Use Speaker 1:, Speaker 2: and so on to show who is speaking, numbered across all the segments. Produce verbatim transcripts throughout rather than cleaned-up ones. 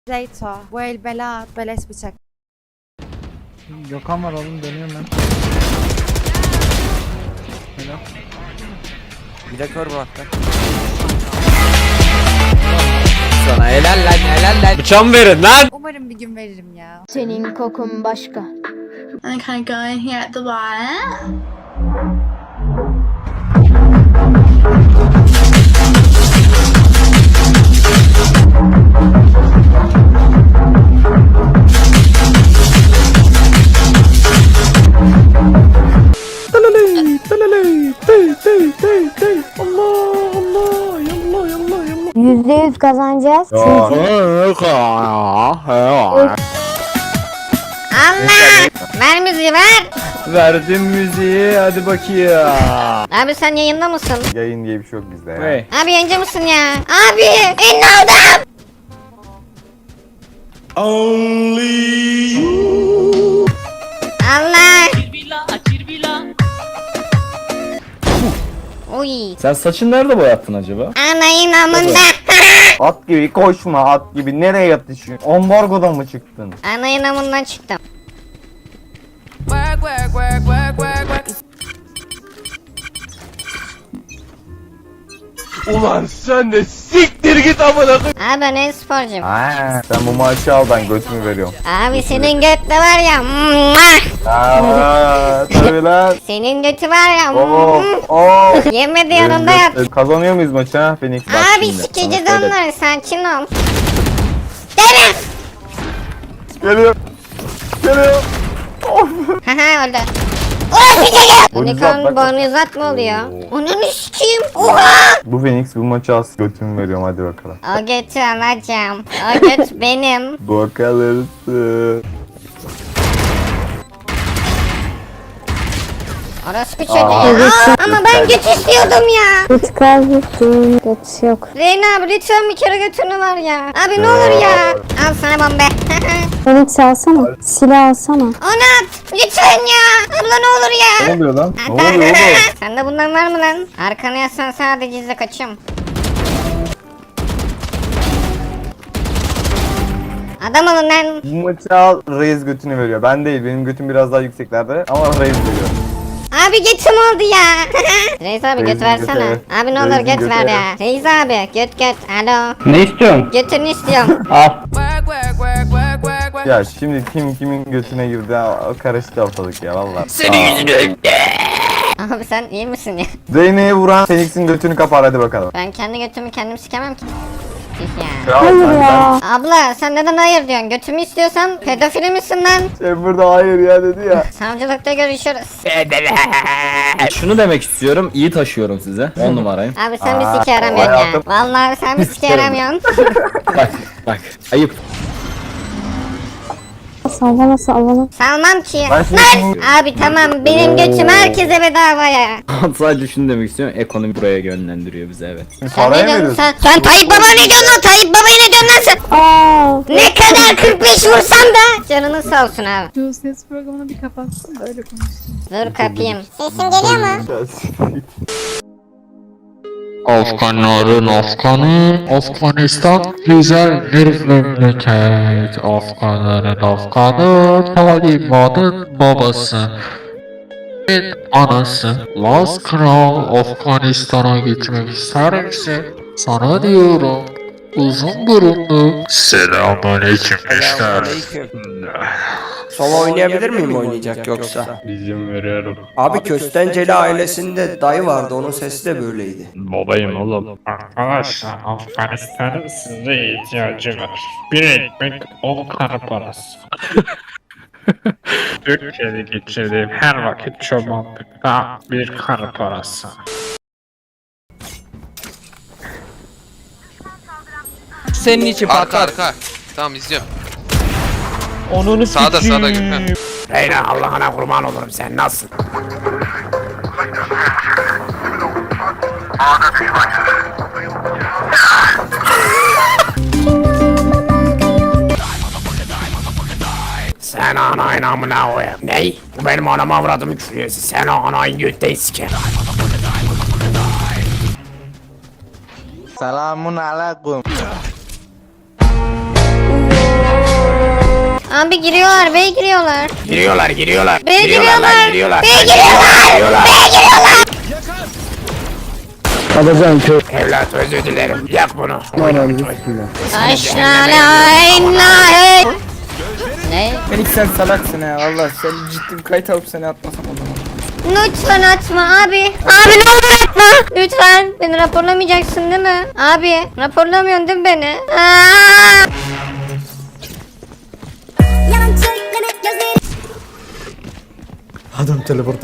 Speaker 1: Zeyto. Bu el bela, beleş bıçak.
Speaker 2: Gökhan var oğlum, dönüyorum ben. Helal.
Speaker 3: Bir de kör bıraktı. Sana helal lan helal lan. Bıçağımı verin lan.
Speaker 1: Umarım bir gün veririm ya.
Speaker 4: Senin kokun başka.
Speaker 5: I can go in here at the bottom.
Speaker 4: Yüzde yüz kazanacağız. Çünkü
Speaker 1: Allah! Ver müziği ver!
Speaker 2: Verdim müziği, hadi bakayım.
Speaker 1: Abi sen yayında mısın?
Speaker 6: Yayın diye bir şey yok bizde ya.
Speaker 2: Hey.
Speaker 1: Abi yayıncı mısın ya? Abi! Ünlü oldum! Allah! Uy!
Speaker 2: Sen saçını nerede boyattın acaba?
Speaker 1: Anayın amında!
Speaker 6: At gibi koşma, at gibi nereye yatışıyorsun? Ambargodan mı çıktın?
Speaker 1: Anayın amından çıktım.
Speaker 3: Ulan sen de siktir git amına koyayım.
Speaker 1: Abi ben e-sporcuyum.
Speaker 6: Aa, sen bu maaşı al, ben götümü veriyorum.
Speaker 1: Abi senin göt de var ya. Mwah!
Speaker 6: Aa, tabii lan.
Speaker 1: Senin götü var ya.
Speaker 6: Oo,
Speaker 1: mwah!
Speaker 6: oo.
Speaker 1: Yemedi yanında yat.
Speaker 6: Kazanıyor muyuz maçı ha Phoenix? Bak
Speaker 1: Abi
Speaker 6: şimdi,
Speaker 1: sikeceğiz
Speaker 6: sana söyle.
Speaker 1: onları, sakin ol. Gel.
Speaker 6: Geliyor. Geliyor.
Speaker 1: Haha öldü. Oh bir geliyor.
Speaker 6: Bonizat,
Speaker 1: Unicorn
Speaker 6: bak, bak.
Speaker 1: bonizat mı oluyor? Onu sikeyim. Oha.
Speaker 6: Bu Phoenix bu maçı al, götümü veriyorum, hadi bakalım.
Speaker 1: O götü alacağım. O göt benim.
Speaker 6: Bakalırsın.
Speaker 1: Orospu çocuğu. Aa, ama ben göt istiyordum ya.
Speaker 4: güç kaybettim. Güç yok.
Speaker 1: Reyna abi lütfen bir kere götünü var ya. Abi ne olur ya. Al sana bombe.
Speaker 4: Phoenix alsana. Silah alsana.
Speaker 1: Onu at. Lütfen ya. Abla ne olur
Speaker 6: Ne
Speaker 1: ya.
Speaker 6: oluyor lan? Ne oluyor oğlum?
Speaker 1: Sende bundan var mı lan? Arkana yaslan, sadece izle kaçıyorum. Adam olun lan.
Speaker 6: Bu maçı al, Reis götünü veriyor. Ben değil, benim götüm biraz daha yükseklerde ama Reis veriyor.
Speaker 1: Abi götüm oldu ya. Reis abi göt
Speaker 6: Reis'in
Speaker 1: versene.
Speaker 6: götü.
Speaker 1: Abi ne olur
Speaker 6: Reis'in
Speaker 1: göt
Speaker 6: götü.
Speaker 1: ver ya. Reis abi göt göt. Alo.
Speaker 2: Ne istiyorsun?
Speaker 1: Götünü istiyorum.
Speaker 2: Al.
Speaker 6: Ya şimdi kim kimin götüne girdi ha, karıştı ortalık ya valla.
Speaker 3: Senin yüzünden.
Speaker 1: Abi sen iyi misin ya?
Speaker 6: Zeynep'e vuran Phoenix'in götünü kapar, hadi bakalım.
Speaker 1: Ben kendi götümü kendim sikemem ki. Tüh ya.
Speaker 6: Ya,
Speaker 4: Hayır
Speaker 6: sen-
Speaker 4: ya.
Speaker 1: Abla sen neden hayır diyorsun? Götümü istiyorsan pedofili misin lan?
Speaker 6: Sen burada hayır ya dedi ya.
Speaker 1: Savcılıkta görüşürüz.
Speaker 2: Şunu demek istiyorum, iyi taşıyorum size. on numarayım.
Speaker 1: Abi sen bir
Speaker 6: Aa,
Speaker 1: sike yaramıyorsun ya.
Speaker 6: hayatım.
Speaker 1: Vallahi sen bir sike yaramıyorsun.
Speaker 2: Bak, bak. Ayıp.
Speaker 4: Sallana sallana.
Speaker 1: Salmam ki.
Speaker 6: Ben şimdi-
Speaker 1: Lan! Abi tamam benim götüm herkese bedava ya.
Speaker 2: Sadece şunu demek istiyorum, ekonomi buraya yönlendiriyor bize, evet.
Speaker 1: Sen
Speaker 6: Paraya
Speaker 1: ne
Speaker 6: mı
Speaker 1: diyorsun
Speaker 6: veriyorsun?
Speaker 1: sen? Sen Tayyip Baba ne diyorsun lan? Tayyip Baba'ya ne diyorsun lan sen?
Speaker 4: Aa.
Speaker 1: Ne kadar kırk beş vursan da canını sağ olsun abi.
Speaker 7: Şu ses programını bir kapatsın da öyle konuşsun.
Speaker 1: Dur kapayım. Sesim geliyor mu?
Speaker 8: Afganların Afganı, Afganistan güzel bir memleket. Afganların Afganı, Taliban'ın babası. Bir anası. Laz Kral Afganistan'a gitmek ister misin? Sana diyorum. Uzun burunlu. Selamünaleyküm gençler.
Speaker 3: Solo oynayabilir miyim oynayacak yoksa?
Speaker 8: İzin veriyorum.
Speaker 3: Abi Köstenceli ailesinde dayı vardı, onun sesi de böyleydi.
Speaker 8: Babayım oğlum. Arkadaşlar Afganistan'ın size ihtiyacı var. Bir ekmek on kara parası. Türkiye'de geçirdiğim her vakit çobanlıkta bir kara parası.
Speaker 3: Senin için
Speaker 9: Arka
Speaker 3: patlar.
Speaker 9: arka. Tamam izliyorum.
Speaker 3: Onun
Speaker 9: Sağda sağda Gökhan.
Speaker 3: Reyna Allah'ına kurban olurum, sen nasıl? Sen anayın amına koyayım. Ney? Bu benim anama avradımı küfürüyorsun. Sen anayın götteyi siker.
Speaker 6: Selamun aleyküm.
Speaker 1: Abi giriyorlar, B'ye giriyorlar.
Speaker 3: Giriyorlar giriyorlar.
Speaker 1: B'ye
Speaker 3: Giriyorlar lan,
Speaker 1: giriyorlar.
Speaker 3: giriyorlar.
Speaker 1: B'ye
Speaker 3: Lan,
Speaker 1: giriyorlar.
Speaker 3: giriyorlar.
Speaker 1: B'ye giriyorlar.
Speaker 2: Alacağım köy.
Speaker 3: Evlat özür dilerim. Yak bunu.
Speaker 1: Aşağılayın. Ne?
Speaker 6: Melik sen salaksın ha valla sen ciddi bir kayıt alıp seni atmasam o zaman.
Speaker 1: Lütfen atma abi. Abi ne olur atma. Lütfen. Beni raporlamayacaksın değil mi? Abi raporlamıyorsun değil mi beni? Aa!
Speaker 6: Adam teleporta.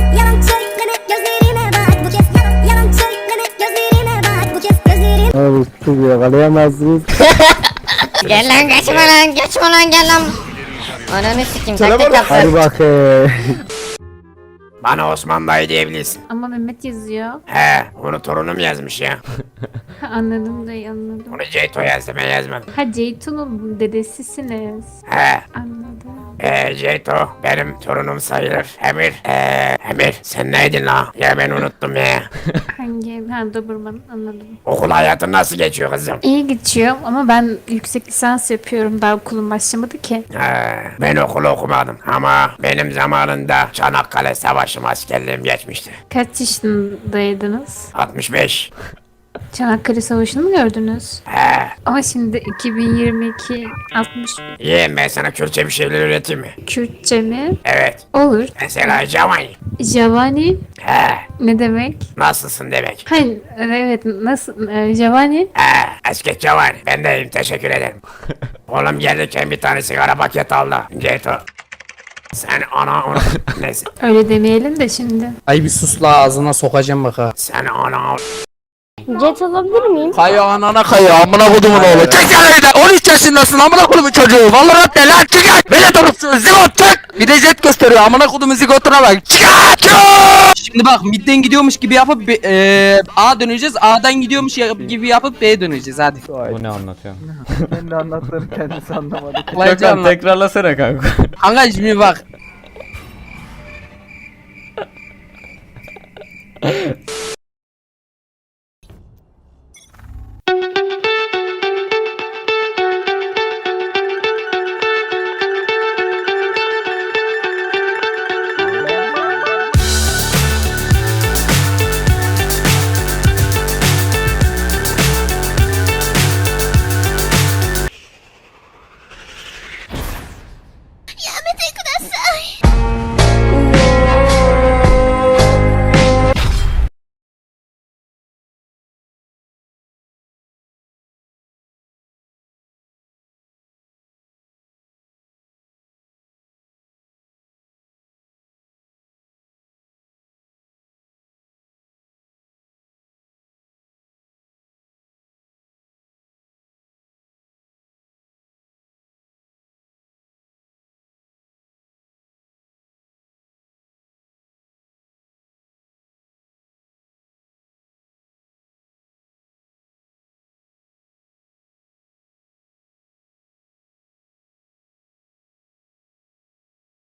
Speaker 2: Abi siz yakalayamazsınız.
Speaker 1: Gel lan geçme lan geçme lan gel lan. Ananı sikeyim taktik yaptı.
Speaker 2: Hadi bakayım.
Speaker 3: Bana Osman dayı diyebilirsin.
Speaker 7: Ama Mehmet yazıyor.
Speaker 3: He, onu torunum yazmış ya.
Speaker 7: Anladım dayı anladım.
Speaker 3: Onu Ceyto yazdı, ben yazmadım.
Speaker 7: Ha Ceytun'un dedesisiniz.
Speaker 3: He,
Speaker 7: Anladım.
Speaker 3: ee, Ceyto benim torunum sayılır. Emir, ee, Emir sen neydin la? Ya ben unuttum ya.
Speaker 7: Hangi? Ha Doberman anladım.
Speaker 3: Okul hayatın nasıl geçiyor kızım?
Speaker 7: İyi geçiyor ama ben yüksek lisans yapıyorum. Daha okulum başlamadı ki.
Speaker 3: He, ben okulu okumadım ama benim zamanında Çanakkale Savaşı askerliğim geçmişti.
Speaker 7: Kaç yaşındaydınız?
Speaker 3: altmış beş.
Speaker 7: Çanakkale Savaşı'nı mı gördünüz?
Speaker 3: He,
Speaker 7: Ama şimdi iki bin yirmi iki altmış
Speaker 3: yeğen ben sana Kürtçe bir şeyler öğreteyim mi?
Speaker 7: Kürtçe mi?
Speaker 3: Evet.
Speaker 7: Olur.
Speaker 3: Mesela Javani.
Speaker 7: Javani
Speaker 3: He,
Speaker 7: ne demek?
Speaker 3: nasılsın demek.
Speaker 7: Hayır evet nasıl? Ee, Javani?
Speaker 3: He, eski Javani. Ben de iyiyim, teşekkür ederim. Oğlum gelirken bir tane sigara paket al da. Ceyto. Sen ana onu... Neyse.
Speaker 7: Öyle demeyelim de şimdi.
Speaker 10: Ay bir sus la ağzına sokacağım bak ha.
Speaker 3: Sen ana...
Speaker 4: Jet alabilir miyim?
Speaker 10: Kaya anana kaya amına kodumun oğlu. Çık sen evden on üç yaşındasın amına kodumun çocuğu. Valorant ne lan çık git. Beni durupsun zigot çık. Bir de jet gösteriyor amına kodumun zigotuna bak. Çık çık. Şimdi bak midden gidiyormuş gibi yapıp B- eee, A döneceğiz. A'dan gidiyormuş ya- gibi yapıp B'ye döneceğiz hadi.
Speaker 2: Bu ne anlatıyor?
Speaker 6: Ben de anlattığım kendisi anlamadı.
Speaker 10: Kolayca anlat.
Speaker 2: tekrarlasana kanka.
Speaker 10: Kanka şimdi bak